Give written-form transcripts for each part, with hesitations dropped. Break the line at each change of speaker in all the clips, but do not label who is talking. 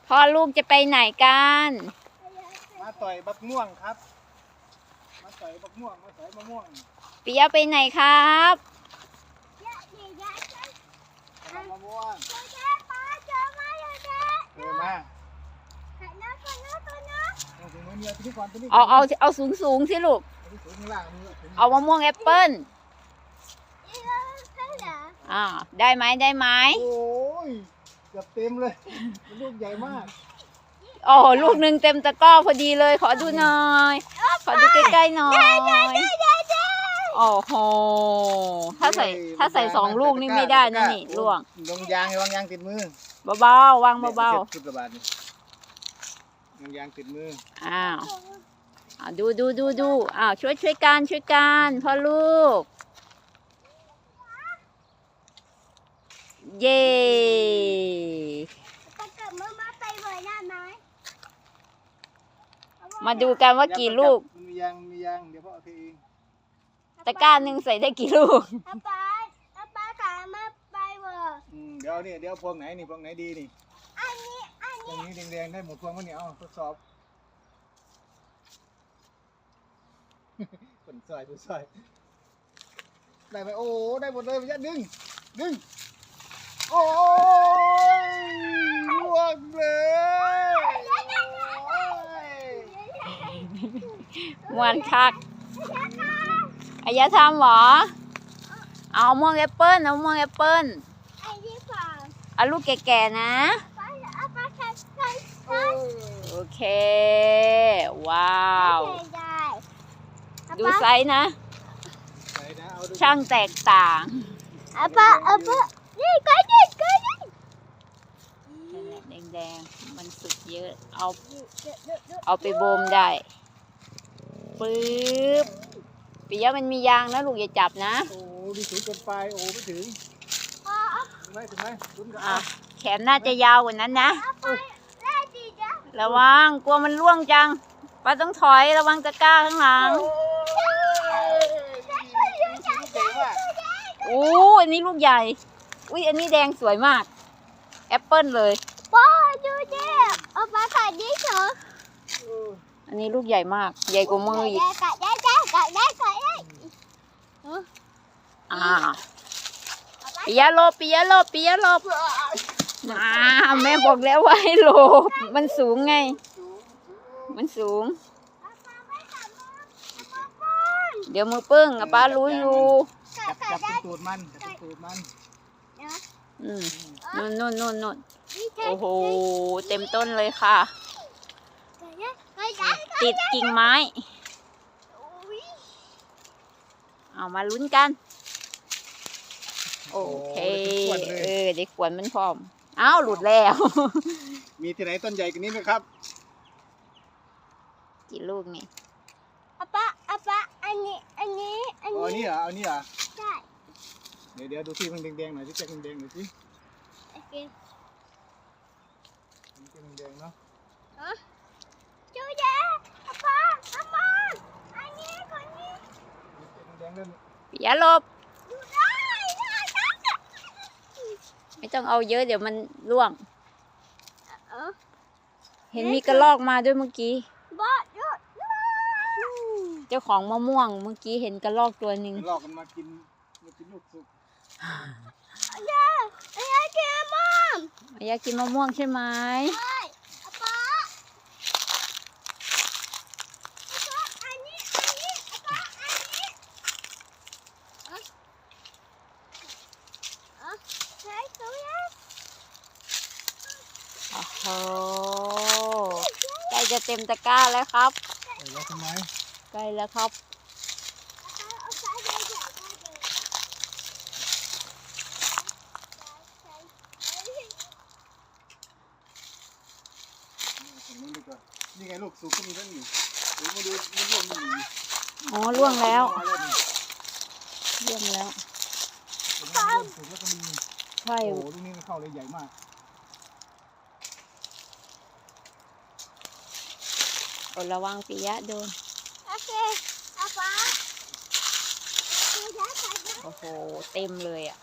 พ่อลูกจะไปไหนกัน
มาต่อยบักม่วงครับมาต่อยบักม่วงมาต่อยมะม่วง
ปิยะไปไหนครับ
มะม่วงเออมา
เอาสูงสิลูกเอามะม่วงแอปเปิ้ลได้ไหม
โอ้ยเกือบเต็มเลยลูกใหญ่มาก
โอ้ลูกหนึ่งเต็มตะกร้อพอดีเลยขอดูหน่อยขอดูใกล้ๆหน่อยโอ้โหถ้าใส่2 ลูกนี่ไม่ได้นะนี่ล่วง
ลงยางวางยางติดมือ
เบาๆวางเบา
ๆยางติดมือ
ดูช่วยกันพ่อลูกเย่มาดูกันว่ากี่ลูก
มียางเดี๋ยวพ่อเอาเอง
ตะกร้าหนึ่งใส่ได้กี่ลูก
ป้าขามาไปเวอร์
เดี๋ยวพวงไหนนี่พวงไหนดีนี่พวงนี้แดงๆได้หมดพวงก็เนี่ยเอาทดสอบผลซอยได้ไหมโอ้ได้หมดเลยมันจะดึงโอ้ยล่วงเลย
มวนคักอายะทำหรอเอาม่วงแอปเปิ้ลเอาลูกแก่ๆนะโอเคว้าวดูไซส์นะช่างแตกต่าง
นี่ก็ยิง
แดงๆมันสุกเยอะเอาไปบ่มได้ปึ๊บปิยะมันมียางนะลูกอย่าจับนะ
โอ้ดีสูงเกินไปโอ้ไม่ถึงถึงไหม
แขนน่าจะยาวกว่านั้นนะระวังกลัวมันร่วงจังป้าต้องถอยระวังตะกร้าข้างหลังโอ้อันนี้ลูกใหญ่อุ้ยอันนี้แดงสวยมากแอปเปิ้ลเลย
ป้าดูดิเอาป้าขาดดิเถอะ
อันนี้ลูกใหญ่มากใหญ่กว่ามืออีก
กัดได้
ปิยะหลบแม่บอกแล้วว่าให้หลบมันสูงไงมันสูงเดี๋ยวมือปึ้งป้ารู้อยู่
จับตูดมัน
นู่นโอ้โหเต็มต้นเลยค่ะติดกิ่งไม้เอามาลุ้นกันโอเคได้ขวนมันพร้อมอ้าวหลุดแล้ว
มีที่ไหนต้นใหญ่กว่านี้ไหมครับ
กี่ลูกนี่
ป้าอันนี้
เอานี่เหรอ
ใช่
เดี๋ยวดูที่มันแดงๆหน่อยที่แจ็คแดงๆหน่อยสิ
โอเค
มันแดงเนาะ
จูเย่ป้าอันนี้คนนี้
แดงเล่น
อย่าหลบไม่ต้องเอาเยอะเดี๋ยวมันร่วงเห็นมีกระรอกมาด้วยเมื่อกี้เจ้าของมะม่วงเมื่อกี้เห็นกระรอกตัวหนึ่ง
กระรอกมันมากินลูกสุก
อยากกิน
มะม่วงใช่ไหมโอ้โหใกล้จะเต็มตะกร้าแล้วครับใกล้แล้วครับ
นี่ไงลูกสุกก็มีทั้งนี้มาดูมันร่วงนี่
อ๋อร่วงแล้วใช่
โอ้ลูกนี้มันเข้าเลยใหญ่มาก
ระวังปิยะโดน
โอเคป้า
โอ้โหเต็มเลยอ่ะ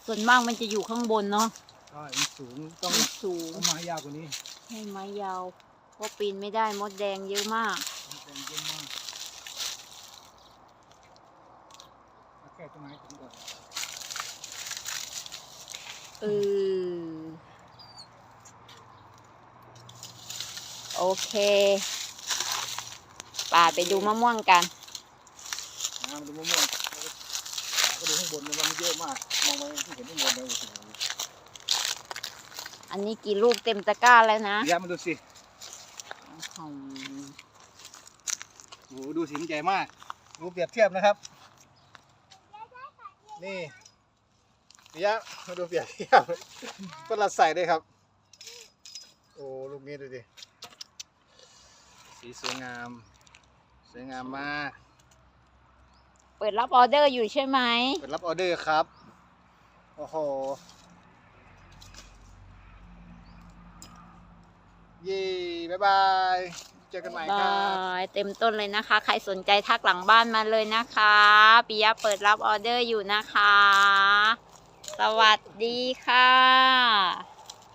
ส่วนมากมันจะอยู่ข้างบนเนาะ
ใช่มันสูงต้อง
มันสูง
ไม้ยาวกว่านี้
ให้ไม้ยาวเพราะปีนไม่ได้มดแดงเยอะมาก
เป็นเยอะมากเอาแค่ต้นไม้ถึงก่อน
โอเคป่าไปดูมะม่วงกัน
มาดูมะม่วงก็ดูข้างบนมันเยอะมากมองไปที่เห็นข้างบนเลยโอ้โห
อันนี้กี่ลูกเต็มตะกร้าแล้วนะ
ย้ำมาดูสิโอ้โหดูสิมันใหญ่มากดูเปรียบเทียบนะครับนี่ปิยะมาดูเปรียบเทียบก็รัดใส่ด้วยครับโอ้ลูกนี้ดูดิสีสวยงามสวยงามมาก
เปิดรับออเดอร์อยู่ใช่ไหม
เปิดรับออเดอร์ครับโอ้โหเย้บ๊ายบายเจอกันใหม่ครับ
เต็มต้นเลยนะคะ ใครสนใจทักหลังบ้านมาเลยนะคะปิยะเปิดรับออเดอร์อยู่นะคะ สวัสดีค่ะ